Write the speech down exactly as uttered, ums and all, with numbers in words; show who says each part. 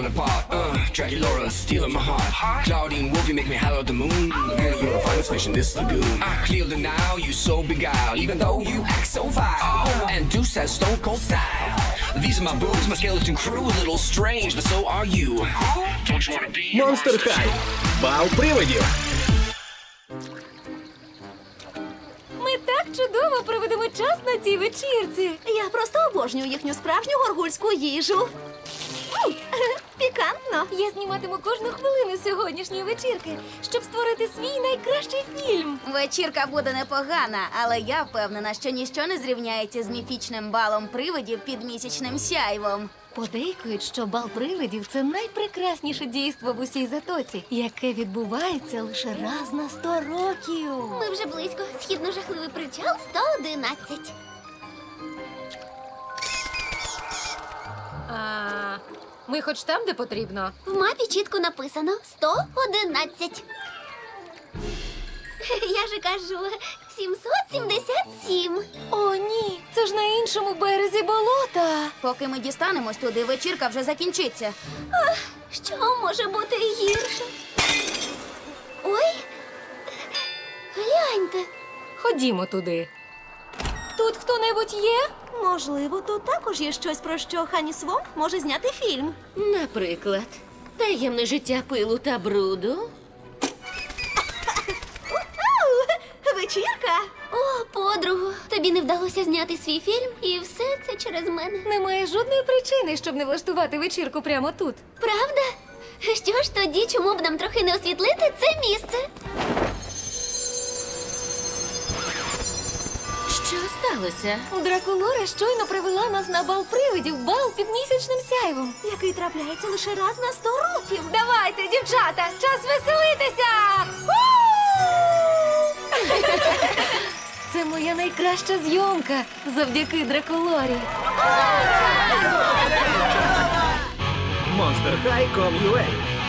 Speaker 1: apart. Uh, Dracula stealing my heart. Claudine Wolf, you make me holler at the moon. And you're the finest fish in this lagoon. I clear the now, you so beguiled, even though you act so vile. And Deuce has stone cold style. These are my boobs, my skeleton crew, a little strange, but so are you. Don't you wanna be?
Speaker 2: Monster High. Бал привидів.
Speaker 3: Ми так чудово проведемо час на цій вечірці.
Speaker 4: Я просто обожнюю їхню справжню горгульську їжу. М, Пікантно.
Speaker 3: Я зніматиму кожну хвилину сьогоднішньої вечірки, щоб створити свій найкращий фільм.
Speaker 4: Вечірка буде непогана, але я впевнена, що ніщо не зрівняється з міфічним балом привидів під місячним сяйвом.
Speaker 3: Подейкують, що бал привидів – це найпрекрасніше дійство в усій Затоці, яке відбувається лише раз на сто років.
Speaker 4: Ми вже близько. Східно-жахливий причал сто одинадцять.
Speaker 3: А ми хоч там, де потрібно?
Speaker 4: В мапі чітко написано сто одинадцять. Я же кажу, сімсот сімдесят сім.
Speaker 3: О, ні, це ж на іншому березі болота.
Speaker 4: Поки ми дістанемось туди, вечірка вже закінчиться. Ах, що може бути гірше? Ой, гляньте.
Speaker 3: Ходімо туди. Тут хто-небудь є?
Speaker 4: Можливо, тут також є щось, про що Хані Свонг може зняти фільм.
Speaker 5: Наприклад, таємне життя пилу та бруду.
Speaker 4: Вечірка? О, подругу, тобі не вдалося зняти свій фільм, і все це через мене.
Speaker 3: Немає жодної причини, щоб не влаштувати вечірку прямо тут.
Speaker 4: Правда? Що ж тоді, чому б нам трохи не освітлити це місце?
Speaker 5: Що сталося?
Speaker 3: Дракулора щойно привела нас на бал привидів, бал під місячним сяйвом.
Speaker 4: Який трапляється лише раз на сто років.
Speaker 3: Давайте, дівчата, час веселитися! Це моя найкраща зйомка завдяки Дракулорі.
Speaker 2: Monster High точка ком точка ю а